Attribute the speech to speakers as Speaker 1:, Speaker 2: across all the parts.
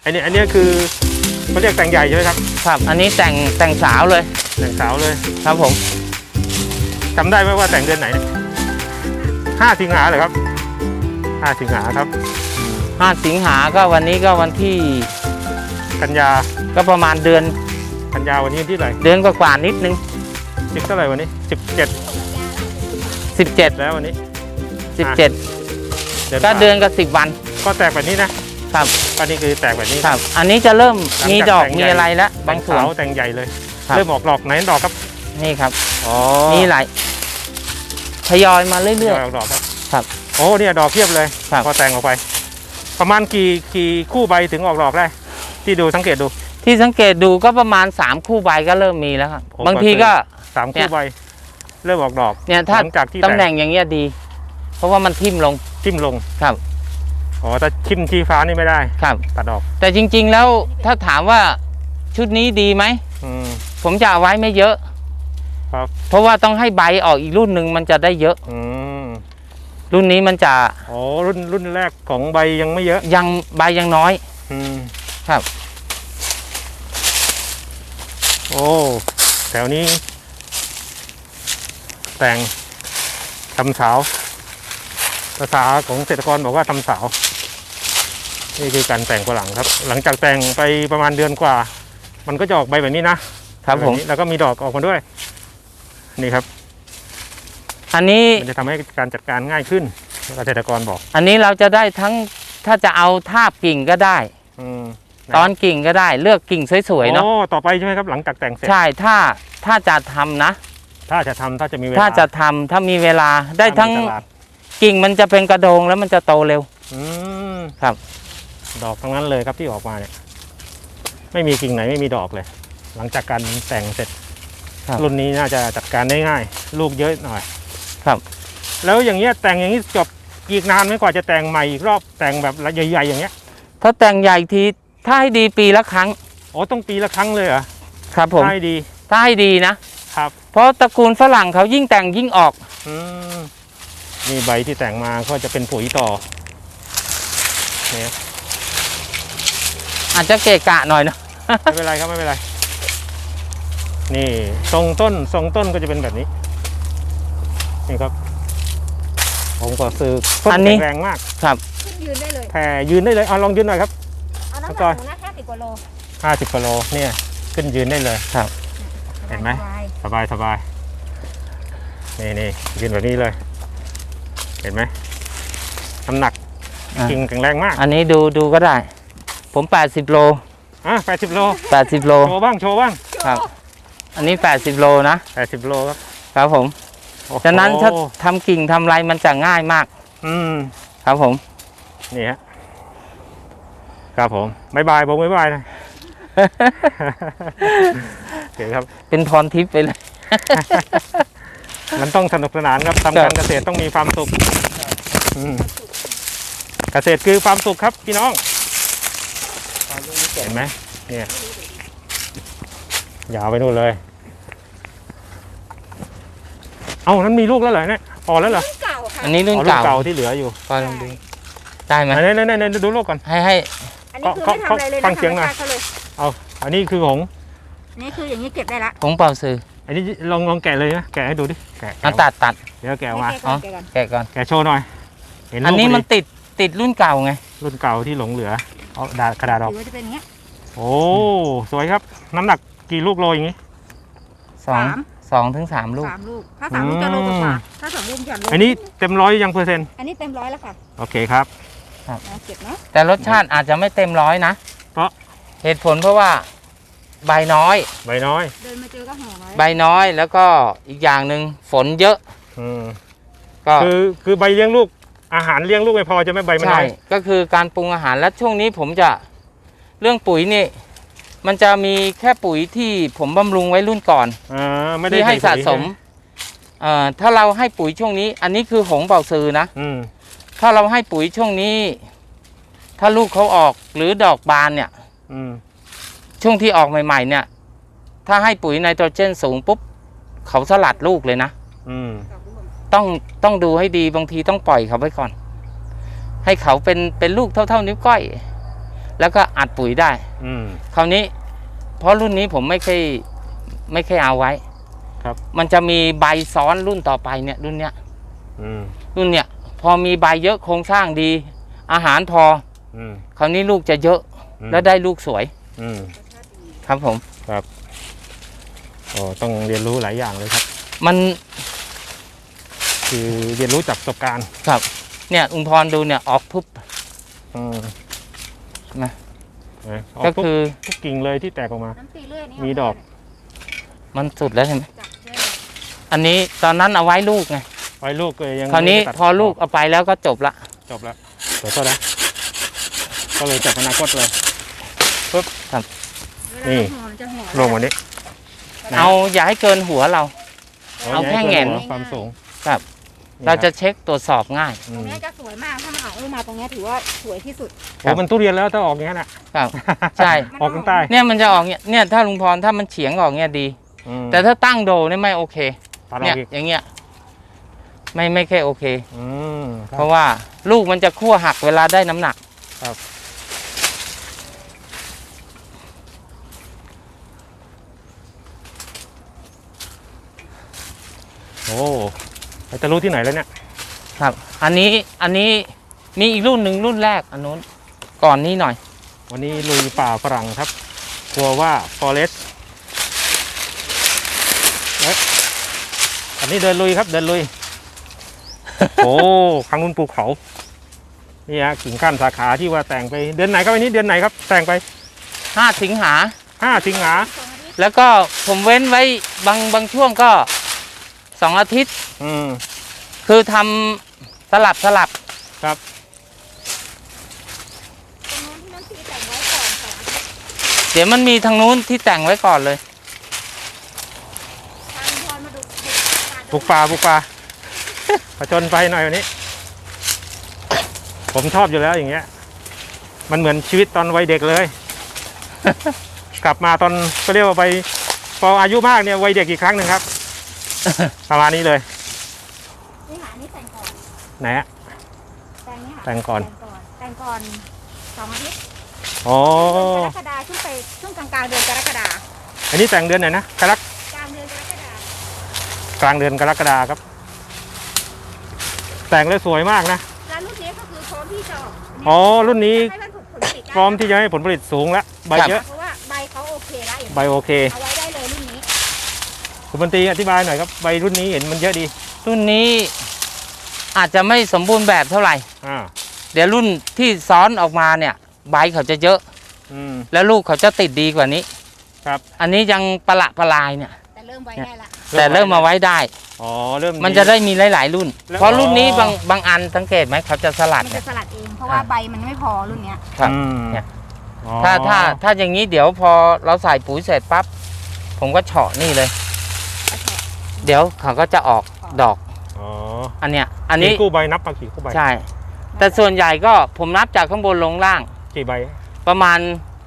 Speaker 1: อันนี้คือเขาเรียกแต่งใหญ่ใช่ไหมครับ
Speaker 2: ครับอันนี้แต่งสาวเลย
Speaker 1: แต่งสาวเลย
Speaker 2: ครับผม
Speaker 1: จำได้ไหมว่าแต่งเดือนไหนเนี่ย5 สิงหาเหรอครับ5 สิงหาครับ
Speaker 2: 5 สิงหาก็วันนี้ก็วันที่
Speaker 1: กันยา
Speaker 2: ก็ประมาณเดือน
Speaker 1: กันยาวันนี้ที่ไหน
Speaker 2: เดือนกว่านิดนึง
Speaker 1: เท่าไหร่วันนี้17แล้ววันนี้
Speaker 2: 17ก็เดือนกับ10 วัน
Speaker 1: ก็แตกแบบนี้นะครับก็นี่คือแตกแบบนี้
Speaker 2: ครับอันนี้จะเริ่มมีดอกมีอะไรแล้วบางส่วน
Speaker 1: แต่งใหญ่เลยเริ่มออกดอกไหนดอกครับ
Speaker 2: นี่ครับมีหลายทยอยมาเรื่อย
Speaker 1: ๆออกดอก
Speaker 2: ครับ
Speaker 1: โอ้เนี่ยดอกเพียบเลยพอแต่งออกไปประมาณกี่คู่ใบถึงออกดอกได้ที่ดูสังเกตดู
Speaker 2: ก็ประมาณ3 คู่ใบก็เริ่มมีแล้วครับบางทีก็
Speaker 1: 3 คู่ใบเริ่มออกดอก
Speaker 2: เนี่ยถ้าตำแหน่งอย่างเงี้ยดีเพราะว่ามันทิ่มลงครับ
Speaker 1: อ๋อแต่ทิ่มชี้ฟ้านี่ไม่ได้
Speaker 2: ครับ
Speaker 1: ตัดออก
Speaker 2: แต่จริงๆแล้วถ้าถามว่าชุดนี้ดีไหมผมจะเอาไว้ไม่เยอะ
Speaker 1: ครับ
Speaker 2: เพราะว่าต้องให้ใบออกอีกรุ่นหนึ่งมันจะได้เยอะรุ่นนี้มันจะ
Speaker 1: อ๋อรุ่นแรกของใบยังไม่เยอะ
Speaker 2: ใบยังน้อยครับ
Speaker 1: โอ้แถวนี้แต่งทำสาวภาษาของเกษตรกรบอกว่าทำสาวนี่คือการแต่งฝรั่งครับหลังจากแต่งไปประมาณเดือนกว่ามันก็จะออกใบแบบนี้นะครับผมแล้วก็มีดอกออกมาด้วยนี่ครับ
Speaker 2: อันนี้
Speaker 1: มันจะทำให้การจัดการง่ายขึ้นเกษตรกรบอก
Speaker 2: อันนี้เราจะได้ทั้งถ้าจะเอาทาบกิ่งก็ได้ตอนกิ่งก็ได้เลือกกิ่งสวยๆเนาะ
Speaker 1: ต่อไปใช่ไหมครับหลังจากแต่งเสร็จ
Speaker 2: ใช่ถ้าจะทำนะ
Speaker 1: ถ้าจะมีเวลา
Speaker 2: ถ้ามีเวลาได้ทั้งกิ่งมันจะเป็นกระโดงแล้วมันจะโตเร็วครับ
Speaker 1: ดอกทั้งนั้นเลยครับที่ออกมาเนี่ยไม่มีกิ่งไหนไม่มีดอกเลยหลังจากการแต่งเสร็จรุ่นนี้น่าจะจัดการได้ง่ายลูกเยอะหน่อย
Speaker 2: ครับ
Speaker 1: แล้วอย่างเงี้ยแต่งอย่างนี้จบอีกนานไหมกว่าจะแต่งใหม่อีกรอบแต่งแบบใหญ่ๆอย่างเงี้ย
Speaker 2: ถ้าแต่งใหญ่ทีถ้าให้ดีปีละครั้ง
Speaker 1: อ๋อต้องปีละครั้งเลยเหรอ
Speaker 2: ครับผม
Speaker 1: ถ้าให้
Speaker 2: ดีนะครับเพราะตระกูลฝรั่งเขายิ่งแต่งยิ่งออก
Speaker 1: นี่ใบที่แต่งมาก็จะเป็นปุ๋ยต่อเนี่ย
Speaker 2: อาจจะเกะกะหน่อยนะ
Speaker 1: ไม่เป็นไรครับไม่เป็นไรนี่ทรงต้นก็จะเป็นแบบนี้นี่ครับผมก็ซื้อต้นแข็งแรงมาก
Speaker 2: ครับ
Speaker 3: ยืนได้เลย
Speaker 1: แผ่ยืนได้เลยเอาลองยืนหน่อยครับ
Speaker 3: เอาน้ำหนักนะ50 กว่าโล
Speaker 1: 50 กว่าโลเนี่ยขึ้นยืนได้เลย
Speaker 2: ครับ
Speaker 1: เห็นไหมสบายนี่ยืนแบบนี้เลยเห็นไหมน้ำหนักกิ่งแข็งแรงมาก
Speaker 2: อันนี้ดูก็ได้ผม80 โล
Speaker 1: 80 โลโชว์บ้าง
Speaker 2: ครับอันนี้80 โลนะ
Speaker 1: 80 โล
Speaker 2: ครับผมฉะนั้นถ้าทำกิ่งทำไรมันจะง่ายมากครับผม
Speaker 1: นี่ฮะครับผมบ๊ายบายบอกบ๊ายบายนะโอเคครับ
Speaker 2: เป็นพรทิพย์ไปเลย
Speaker 1: มันต้องสนุกสนานครับทำการเกษตรต้องมีความสุขเกษตรคือความสุขครับพี่น้องเห็นไหมเนี่ยยาวไปนู่นเลยเอานั้นมีลูกแล้วเหรอเนี่ยออกแล้วเหรอ
Speaker 2: อันนี้รุ่นเก่า
Speaker 1: ที่เหลืออยู่
Speaker 2: ก็ลองดูได้ไหม
Speaker 1: เนี่ยดูลูกก่อน
Speaker 2: ให้
Speaker 3: อันนี้คือไม่ทำอะไรเลย
Speaker 1: ฟังเสียงหน่อยเอาอันนี้คือของ
Speaker 3: นี่คืออย่างนี้เก็บได้ละ
Speaker 2: ของเป่าซื้อ
Speaker 1: อันนี้ลองแกะเลยนะแกะให้ดูดิแกะ
Speaker 2: ตัด
Speaker 1: เดี๋ยวแกะมา
Speaker 2: แกะก่อน
Speaker 1: แกะโชว์หน่อย
Speaker 2: อันนี้มันติดรุ่นเก่าไง
Speaker 1: รุ่นเก่าที่หลงเหลือเอากระดาษออก
Speaker 3: จะเป็นอย่างเงี้ย
Speaker 1: โอ้สวยครับน้ำหนักกี่ลูกโลอย่างงี้
Speaker 2: 2 ถึง 3 ลูก
Speaker 3: ถ้า3 ลูกจะโลกว่าถ้า2 ลูกจะโล
Speaker 1: อันนี้เต็ม100ยังเปอร์เซ็นต์
Speaker 3: อันนี้เต็ม100แล้วค่ะ
Speaker 1: โอเคครับ
Speaker 3: เก็บนะ
Speaker 2: แต่รสชาติอาจจะไม่เต็ม100นะ
Speaker 1: เพราะ
Speaker 2: เหตุผลเพราะว่าใบน้อย
Speaker 3: เดินมาเจอก็ห่อไว้
Speaker 2: ใบน้อยแล้วก็อีกอย่างหนึ่งฝนเยอะ
Speaker 1: ก็คือใบเลี้ยงลูกอาหารเลี้ยงลูกไม่พอจะไม่ใบมันน้อย
Speaker 2: ก็คือการปรุงอาหารและช่วงนี้ผมจะเรื่องปุ๋ยนี่มันจะมีแค่ปุ๋ยที่ผมบำรุงไว้รุ่นก่อนที่ให้สะสมถ้าเราให้ปุ๋ยช่วงนี้อันนี้คือหงเป่าซือนะถ้าเราให้ปุ๋ยช่วงนี้ถ้าลูกเขาออกหรือดอกบานเนี่ยช่วงที่ออกใหม่ๆเนี่ยถ้าให้ปุ๋ยไนโตรเจนสูงปุ๊บเขาสลัดลูกเลยนะต้องดูให้ดีบางทีต้องปล่อยเขาไว้ก่อนให้เขาเป็นลูกเท่านิ้วก้อยแล้วก็อัดปุ๋ยได้
Speaker 1: อืม
Speaker 2: คราวนี้เพราะรุ่นนี้ผมไม่เคยเอาไว้
Speaker 1: ครับ
Speaker 2: มันจะมีใบซ้อนรุ่นต่อไปเนี่ยรุ่นเนี้ย
Speaker 1: อืม
Speaker 2: รุ่นเนี้ยพอมีใบเยอะโครงสร้างดี อาหารพอ
Speaker 1: อืม
Speaker 2: คราวนี้ลูกจะเยอะ แล้วได้ลูกสวย
Speaker 1: อืม
Speaker 2: ครับผม
Speaker 1: ครับโอ้ต้องเรียนรู้หลายอย่างเลยครับ
Speaker 2: มัน
Speaker 1: คือเรียนรู้จากประสบการณ์
Speaker 2: ครับเนี่ยลุงพรดูเนี่ยออกปุ๊บ
Speaker 1: อืม
Speaker 2: นะ
Speaker 1: ออก
Speaker 2: ก็
Speaker 1: ทุก
Speaker 2: คือ
Speaker 1: ทุกกิ่งเลยที่แตกออกมา
Speaker 3: น้ำตีเลื่อยนี่
Speaker 1: มีดอก
Speaker 2: มันสุดแล้วใช่ไหม
Speaker 3: จับเลื่อย
Speaker 2: อันนี้ตอนนั้นเอาไว้ลูกไง
Speaker 1: ไว้ลูกก็ยัง
Speaker 2: คราวนี้
Speaker 1: ไม่ได้ตัด
Speaker 2: พอลูกเอาไปแล้วก็จบละ
Speaker 1: จบแล้วเดี๋ยวโทษนะก็เลยจับอนาคตเลย
Speaker 3: เวลา
Speaker 1: นี่
Speaker 3: ห่อมันจะห่อ
Speaker 1: ลงวันนี้
Speaker 2: เอาอย่าให้เกินหัวเรา เอาแค่แหง่น
Speaker 1: ความสูง
Speaker 2: ครับ
Speaker 1: นี่
Speaker 2: เราจะเช็คตรวจสอบง่าย
Speaker 1: อื
Speaker 3: ตรง
Speaker 1: ม
Speaker 3: เนี้ยจะสวยมากถ้ามันออกลูกมาตรงเนี้ยถือว่าสวยที่สุด
Speaker 1: โอ้มันทุเรียนแล้วถ้าออกอย่างนั้นอ่ะ
Speaker 2: ครับ ใช่
Speaker 1: ออกข้างใต้
Speaker 2: เนี่ยมันจะออกเนี่ยถ้าลุงพรถ้ามันเฉียงออกเนี่ยดี
Speaker 1: อืม
Speaker 2: แต่ถ้าตั้งโดเนี่ยไม่โอเค
Speaker 1: ตัดอ
Speaker 2: เนี่
Speaker 1: อย กอีก
Speaker 2: อย่างเงี้ยไม่ค่อยโอเค
Speaker 1: อืมค
Speaker 2: เพ
Speaker 1: รับ
Speaker 2: ราะว่าลูกมันจะคั่วหักเวลาได้น้ำหนัก
Speaker 1: โอ้จะรู้ที่ไหนแล้วเนี่ย
Speaker 2: ครับ อันนี้มีอีกรุ่นหนึ่งรุ่นแรกอันนู้นก่อนนี้หน่อย
Speaker 1: วันนี้ลุยป่าฝรั่งครับกลัวว่า forest อันนี้เดินลุยครับเดินลุย โอ้ครั้งนู้นภูเขานี่ฮะกิ่งก้านสาขาที่ว่าแต่งไปเดือนไหนครับอันนี้เดือนไหนครับ แต่งไป
Speaker 2: 5 สิงหา
Speaker 1: 5 สิงหา
Speaker 2: แล้วก็ผมเว้นไว้บางช่วงก็2 อาทิตย์
Speaker 1: อืม
Speaker 2: คือทำสลับ
Speaker 1: ครับ
Speaker 3: ตรงนู้นที่น้ำตีแต่งไว้ก่อน2 อาทิตย์
Speaker 2: เดี๋ยวมันมีทางนู้นที่แต่งไว้ก่อนเลย
Speaker 3: ทางพรมาดู
Speaker 1: บุกป่าผจญไปหน่อยวันนี้ ผมชอบอยู่แล้วอย่างเงี้ย มันเหมือนชีวิตตอนวัยเด็กเลย กลับมาตอนก็เรียกว่าไปพออายุมากเนี่ยวัยเด็กอีกครั้งหนึ่งครับ ประมาณนี้เลย
Speaker 3: นี่หานี่แต่งก่อน
Speaker 1: ไหนฮะ
Speaker 3: แต่งนี่ค่ะ
Speaker 1: แต่งก่อน
Speaker 3: แต่งก่อน2 อาทิตย์
Speaker 1: อ๋อ
Speaker 3: เดือนกรกฎาช่วงกลางๆเดือนกรกฎา
Speaker 1: อันนี้แต่งเดือนไหนนะกลาง
Speaker 3: กลางเดือนกรกฎาก
Speaker 1: ลางเดือนกรกฎาครับ แต่งเลยสวยมากนะ
Speaker 3: แล้วรุ่นนี้ก็คือพร้อมที่จะออก
Speaker 1: อ๋อรุ่นนี้
Speaker 3: ให้มันผลผลิตได้
Speaker 1: พร้อมที่จะให้ผลผลิตสูงแล้วใบเยอะ
Speaker 3: เพราะว่าใบเขาโอเคแล้วอย่าง
Speaker 1: ใบโอเค
Speaker 3: เอาไว้ได้เลยรุ่นนี้
Speaker 1: คุณบันตรีอธิบายหน่อยครับใบรุ่นนี้เห็นมันเยอะดี
Speaker 2: รุ่นนี้อาจจะไม่สมบูรณ์แบบเท่าไหร่
Speaker 1: อ่า
Speaker 2: เดี๋ยวรุ่นที่ซ้อนออกมาเนี่ยใบเขาจะเยอะ
Speaker 1: อืม
Speaker 2: แล้วลูกเขาจะติดดีกว่านี้
Speaker 1: ครับ
Speaker 2: อันนี้ยังปลายเนี่ย
Speaker 3: แต่เริ่มไว้ได้ละ
Speaker 2: แต่เริ่มมาไว้ได้
Speaker 1: อ๋อเริ่ม
Speaker 2: มันจะได้มีหลายๆรุ่น
Speaker 1: แล้ว
Speaker 2: เพราะรุ่นนี้บางอันสังเกตไหมเขาจะสลัด
Speaker 3: มัน
Speaker 2: เนี่
Speaker 3: จะ
Speaker 2: ย
Speaker 3: สลัดเองเพราะว่าใบมันไม่พอรุ่นเนี้ย
Speaker 2: ครับ
Speaker 1: อืม
Speaker 2: เนี่ย
Speaker 1: อ๋อ
Speaker 2: ถ้าอย่างนี้เดี๋ยวพอเราใส่ปุ๋ยเสร็จปั๊บผมก็เฉาะนี่เลย เดี๋ยวเขาก็จะออกดอก
Speaker 1: อ๋อ
Speaker 2: อันเนี้ยอันนี้
Speaker 1: กี่คู่ใบนับมากี่คู่ใบ
Speaker 2: ใช่ แต่ส่วนใหญ่ก็ผมนับจากข้างบนลงล่าง
Speaker 1: กี่ใบ
Speaker 2: ประมาณ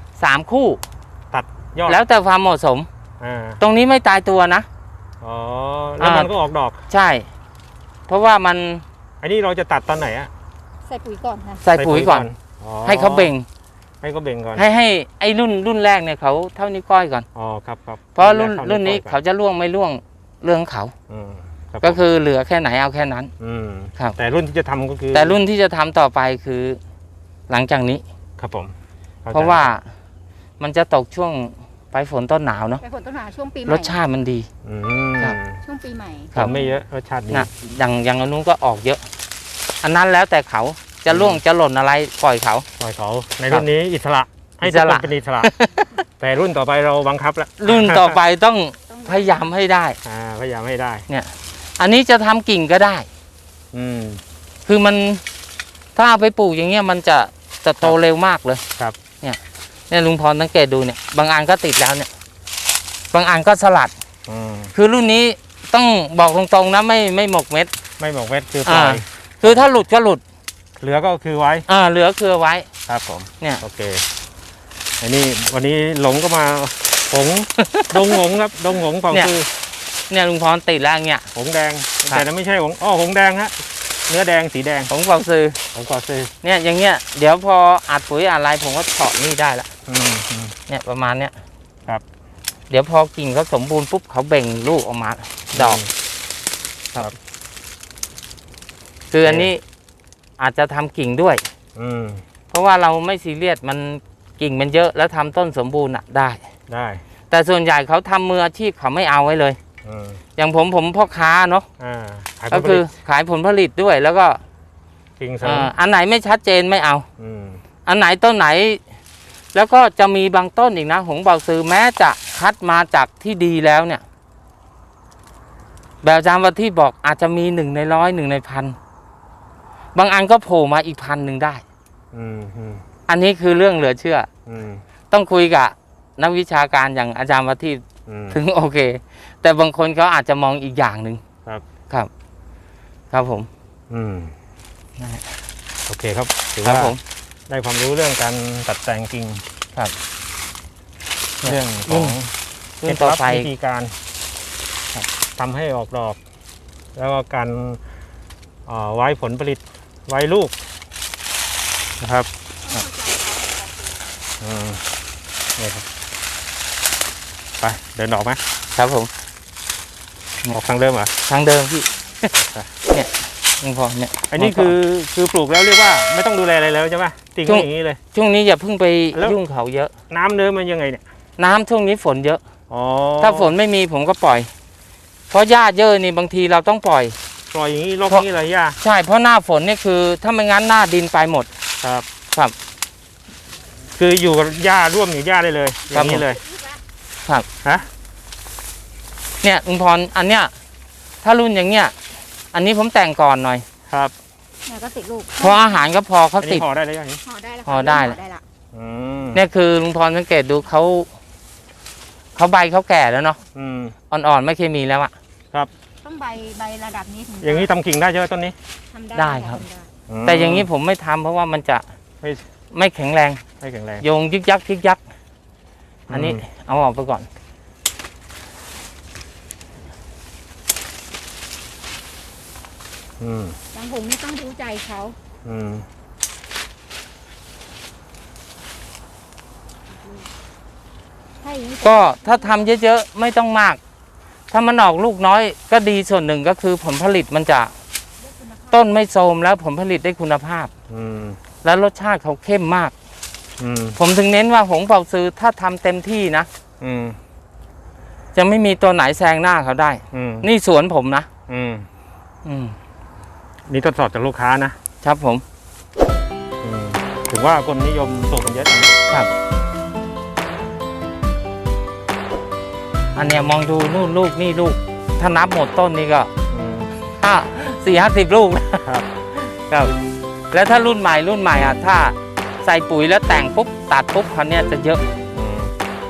Speaker 2: 3 คู่
Speaker 1: ตัดยอด
Speaker 2: แล้วแต่ความเหมาะสม
Speaker 1: อ่า
Speaker 2: ตรงนี้ไม่ตายตัวนะ
Speaker 1: อ๋อแล้วมันก็ออกดอก
Speaker 2: ใช่ เพราะว่ามัน
Speaker 1: อันนี้เราจะตัดตอนไหนอะ
Speaker 3: ใส่ปุ๋ยก่อนค่ะ
Speaker 2: ใส่ปุ๋ยก่อน
Speaker 1: อ๋อ
Speaker 2: ให้เขาเบ่ง
Speaker 1: ให้เขาเบ่งก่อน
Speaker 2: ให้ไอ้รุ่นแรกเนี่ยเขาเท่านิ้วก้อยก่อน
Speaker 1: อ๋อครับครับ
Speaker 2: เพราะรุ่น
Speaker 1: แกข้
Speaker 2: รุ่นนี้
Speaker 1: ก่อ
Speaker 2: เขาจะล่วงไม่ล่วงเรื่องของเขา
Speaker 1: อืมรับ
Speaker 2: ก็คือเหลือแค่ไหนเอาแค่นั้น
Speaker 1: ม
Speaker 2: ครับ
Speaker 1: แต่รุ่นที่จะทำก็คือ
Speaker 2: แต่รุ่นที่จะทำต่อไปคือหลังจากนี้
Speaker 1: ครับผมข้ใจ
Speaker 2: เพราะว่ามันจะตกช่วงปลายฝนต้นหนาวเนาะ
Speaker 3: ไปผลต้นหาช่วงปีใหม่
Speaker 2: รสชาติมันดี
Speaker 1: อืม
Speaker 2: ครับ
Speaker 3: ช่วงปีใหม่
Speaker 2: ครับ
Speaker 1: ไม่เยอะรสชาติดี
Speaker 2: นะอย่างอันนู้นก็ออกเยอะ อันนั้นแล้วแต่เขาจะล่วงจะหล่นอะไรปล่อยเขา
Speaker 1: ปล่อยเขาในรุ่นนี้อิสระให้
Speaker 2: อิ
Speaker 1: ทุ
Speaker 2: ส
Speaker 1: กค
Speaker 2: ระ
Speaker 1: นเป็นอิสระ แต่รุ่นต่อไปเราบังคับแล้ว
Speaker 2: รุ่นต่อไปต้องพยายามให้ได้
Speaker 1: พยายามให้ได้
Speaker 2: อันนี้จะทำกิ่งก็ได้
Speaker 1: อืม
Speaker 2: คือมันถ้าเอาไปปลูกอย่างเงี้ยมันจะโตเร็วมากเลย
Speaker 1: ครับ
Speaker 2: เนี่ยลุงพรสังเกตดูเนี่ยบางอันก็ติดแล้วเนี่ยบางอันก็สลัด
Speaker 1: อืม
Speaker 2: คือรุ่นนี้ต้องบอกตรงๆนะไม่หมกเม็ด
Speaker 1: ไม่บอกเม็ดคือปล่อย
Speaker 2: คือถ้าหลุดก็หลุด
Speaker 1: เหลือก็คือไว้
Speaker 2: เหลือคือไว้
Speaker 1: ครับผม
Speaker 2: เนี่ย
Speaker 1: โอเคอันนี้วันนี้หลงก็มาหง ดงหงครับดงหงของ
Speaker 2: เนี่ย
Speaker 1: คือ
Speaker 2: เนี่ยลุงพรติดแล้วอย่างเงี้ย
Speaker 1: หงแดง
Speaker 2: ครับ
Speaker 1: แต่นั้นไม่ใช่หงอ๋อหงแดงฮะเนื้อแดงสีแดง
Speaker 2: ผงเป่าซื้อ
Speaker 1: ของกวาซื้อ
Speaker 2: เนี่ยอย่างเงี้ยเดี๋ยวพออัดปุ๋ยอะไรผมก็เฉาะนี่ได้ละ
Speaker 1: อืม
Speaker 2: เนี่ยประมาณเนี้ย
Speaker 1: ครับ
Speaker 2: เดี๋ยวพอกิ่งเขาสมบูรณ์ปุ๊บเขาเบ่งลูกออกมาดอก
Speaker 1: ครับ
Speaker 2: คืออันนี้อาจจะทำกิ่งด้วย
Speaker 1: อืม
Speaker 2: เพราะว่าเราไม่ซีเรียสมันกิ่งมันเยอะแล้วทำต้นสมบูรณ์อ่ะได้
Speaker 1: ได้
Speaker 2: แต่ส่วนใหญ่เขาทำมืออาชีพเขาไม่เอาไว้เลย
Speaker 1: อืม
Speaker 2: อย่างผมพ่อค้าเนาะ
Speaker 1: ขายผ
Speaker 2: ก็
Speaker 1: ลผ
Speaker 2: คื
Speaker 1: ลิ
Speaker 2: อ
Speaker 1: ต
Speaker 2: ขายผลผลิตด้วยแล้วก็
Speaker 1: กิ่งเสริม
Speaker 2: อันไหนไม่ชัดเจนไม่เอา
Speaker 1: อืม
Speaker 2: อันไหนต้นไหน แล้วก็จะมีบางต้นอีกนะหงเบาซือแม้จะคัดมาจากที่ดีแล้วเนี่ย แบบอาจารย์วัที่บอกอาจจะมี1 ใน 100 1 ใน 1,000บางอันก็โผล่มาอีก1,000ได้
Speaker 1: อืมอืม
Speaker 2: อันนี้คือเรื่องเหลือเชื่อ
Speaker 1: อืม
Speaker 2: ต้องคุยกับนักวิชาการอย่างอาจารย์วัที่
Speaker 1: อืม
Speaker 2: ถึงโอเค แต่บางคนเขาอาจจะมองอีกอย่างหนึ่ง
Speaker 1: ครับ
Speaker 2: ครับ ครับผม
Speaker 1: อืม
Speaker 2: นั่นแหละ
Speaker 1: โอเคครับถือ
Speaker 2: ครับ
Speaker 1: ว่า
Speaker 2: ผม
Speaker 1: ได้ความรู้เรื่องการตัดแต่งกิ่ง
Speaker 2: ครับ
Speaker 1: เรื่องของ
Speaker 2: รุ่นต่อไป
Speaker 1: วิธีการทำให้ออกดอก แล้วก็การไว้ผลผลิตไว้ลูกนะครับอืมนี่ครับไปเดินออกไหม
Speaker 2: ครับผม
Speaker 1: ออกทางเดิมเหรอ
Speaker 2: ทางเดิมพี่
Speaker 1: ครับ
Speaker 2: เนี่ยยังพอเนี่ย
Speaker 1: อันนี้คือปลูกแล้วเรียกว่าไม่ต้องดูแลอะไรแล้วใช่ไหมติ่งไว้อย่างนี้เลย
Speaker 2: ช่วงนี้อย่าเพิ่งไป
Speaker 1: แล้ว
Speaker 2: ยุ่งเขาเยอะ
Speaker 1: น้ำเนื้อมันยังไงเนี่ย
Speaker 2: น้ำช่วงนี้ฝนเยอะ
Speaker 1: อ๋อ
Speaker 2: ถ้าฝนไม่มีผมก็ปล่อย เพราะหญ้าเยอะนี่บางทีเราต้องปล่อย
Speaker 1: ปล่อยอย่างนี้รอบนี้เลยย่า
Speaker 2: ใช่เพราะหน้าฝนนี่คือถ้าไม่งั้นหน้าดินไปหมด
Speaker 1: ครับ
Speaker 2: ครับ
Speaker 1: คืออยู่กับหญ้าร่วมอยู่หญ้าได้เลยอย่างนี้เลย
Speaker 2: ครับ
Speaker 1: ฮะ
Speaker 2: เนี่ยลุงพรอันเนี้ยถ้ารุ่นอย่างเงี้ยอันนี้ผมแต่งก่อนหน่อย
Speaker 1: ครับ
Speaker 3: เนี่ยก็ติดลูก
Speaker 2: เพราะอาหารก็พอเขา
Speaker 1: อัน
Speaker 2: ติ
Speaker 1: นี้
Speaker 2: ด
Speaker 1: ห่อได้แล้วยังนี้
Speaker 3: ห่อได้แล้ว
Speaker 2: ห่อได้
Speaker 3: ห่อได้ละ
Speaker 1: อืม
Speaker 2: เนี่ยคือลุงพรสังเกตดูเขาใบเขาแก่แล้วเนาะ
Speaker 1: อืม
Speaker 2: อ่อนๆไม่เคยมีแล้วอะ
Speaker 3: ต้องใบระดับนี้ถึงจะ
Speaker 1: อย่างนี้ทำกิ่งได้ใช่ไหมต้นนี้
Speaker 3: ทำได้
Speaker 2: ได้ครับ
Speaker 3: ทำได้
Speaker 2: แต่อย่างนี้ผมไม่ทำเพราะว่ามันจะ
Speaker 1: ไม่
Speaker 2: ไม่แข็งแรง
Speaker 1: ไม่แข็งแรง
Speaker 2: โยงยึกยักยึกยัก อันนี้เอาออกไปก่อน
Speaker 1: อืม
Speaker 3: บางผมนี่ต้องรู้ใจเขา
Speaker 1: อืม
Speaker 3: ถ้าอย่างนี้
Speaker 2: ก็ถ้าทำเยอะๆไม่ต้องมาก ถ้ามันออกลูกน้อยก็ดีส่วนหนึ่งก็คือผลผลิตมันจะต้นไม่โทรมแล้วผลผลิตได้คุณภาพ
Speaker 1: อืม
Speaker 2: แล้วรสชาติเขาเข้มมาก
Speaker 1: อืม
Speaker 2: ผมถึงเน้นว่าหงเป่าซื้อถ้าทำเต็มที่นะ
Speaker 1: อืม
Speaker 2: จะไม่มีตัวไหนแซงหน้าเขาได้
Speaker 1: อืม
Speaker 2: นี่สวนผมนะ
Speaker 1: อืม
Speaker 2: อืม
Speaker 1: นี่ทดสอบจากลูกค้านะครับ
Speaker 2: ผม
Speaker 1: อืมถึงว่าคนนิยมปลูกกันเยอะอย่างนี้
Speaker 2: ครับ อันเนี้ยมองดูนู่นลูกนี่ลูก ถ้านับหมดต้นนี่ก็
Speaker 1: อืม
Speaker 2: 40-50 ลูกนะครับ ครับ แล้วถ้ารุ่นใหม่อ่ะถ้าใส่ปุ๋ยแล้วแต่งปุ๊บตัดปุ๊บคันเนี้ยจะเยอะ
Speaker 1: อืม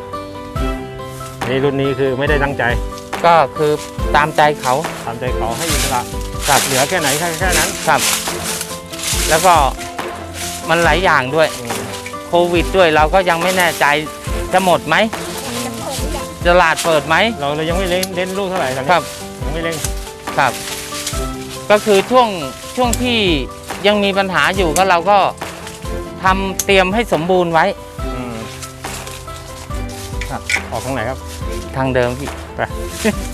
Speaker 1: นี่รุ่นนี้คือไม่ได้ตั้งใจ
Speaker 2: ก็คือตามใจเขา
Speaker 1: ตามใจเขาให้อิสระ
Speaker 2: ครับ
Speaker 1: เหลือแค่ไหนแค่นั้น
Speaker 2: ครับ แล้วก็มันหลายอย่างด้วย
Speaker 1: อืม
Speaker 2: โควิดด้วยเราก็ยังไม่แน่ใจจะหมดไหม
Speaker 3: จะเปิดหรือยัง
Speaker 2: ตลาดเปิดไหม
Speaker 1: เราเลยยังไม่เล่นลูกเท่าไหร่ตอนนี้
Speaker 2: ครับ
Speaker 1: ยังไม่เล่น
Speaker 2: ครับ ก็คือช่วงที่ยังมีปัญหาอยู่ก็เราก็ทำเตรียมให้สมบูรณ์ไว้
Speaker 1: อืม
Speaker 2: ครับ
Speaker 1: ออกทางไหนครับ
Speaker 2: ทางเดิมพี่
Speaker 1: ไป